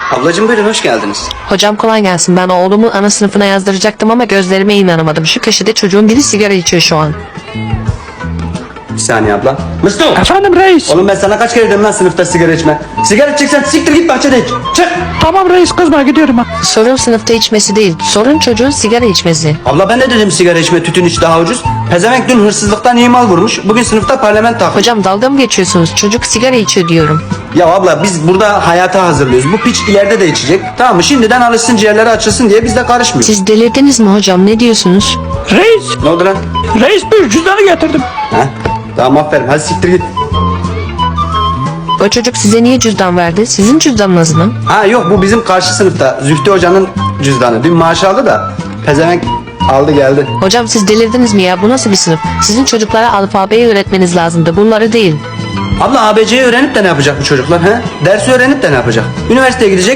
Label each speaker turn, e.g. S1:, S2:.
S1: Ablacığım buyurun, hoş geldiniz.
S2: Hocam kolay gelsin. Ben oğlumu ana sınıfına yazdıracaktım ama gözlerime inanamadım. Şu köşede çocuğun biri sigara içiyor şu an.
S1: Bir saniye abla. Mıstık!
S3: Efendim reis.
S1: Oğlum ben sana kaç kere dedim lan sınıfta sigara içme. Sigara içeceksen siktir git bahçede iç. Çık!
S3: Tamam reis, kızma, gidiyorum ha.
S2: Sorun sınıfta içmesi değil. Sorun çocuğun sigara içmesi.
S1: Abla ben de dedim sigara içme, tütün iç daha ucuz. Pezevenk dün hırsızlıktan iyi mal vurmuş. Bugün sınıfta parlament takmış.
S2: Hocam dalga mı geçiyorsunuz? Çocuk sigara içiyor diyorum.
S1: Ya abla biz burada hayata hazırlıyoruz. Bu piç ileride de içecek. Tamam mı? Şimdiden alışsın, ciğerleri açılsın diye biz de karışmıyoruz.
S2: Siz delirdiniz mi hocam? Ne diyorsunuz?
S3: Reis.
S1: Ne oldu lan?
S3: Reis, bir cüzdanı getirdim.
S1: Ha? Tamam aferin, hadi siktir git.
S2: O çocuk size niye cüzdan verdi? Sizin cüzdanınız mı?
S1: Ha yok, bu bizim karşı sınıfta Zühtü Hoca'nın cüzdanı. Dün maaş aldı da pezevenk aldı geldi.
S2: Hocam siz delirdiniz mi ya? Bu nasıl bir sınıf? Sizin çocuklara alfabeyi öğretmeniz lazımdı. Bunları değil.
S1: Abla ABC'yi öğrenip de ne yapacak bu çocuklar? He? Dersi öğrenip de ne yapacak? Üniversiteye gidecek.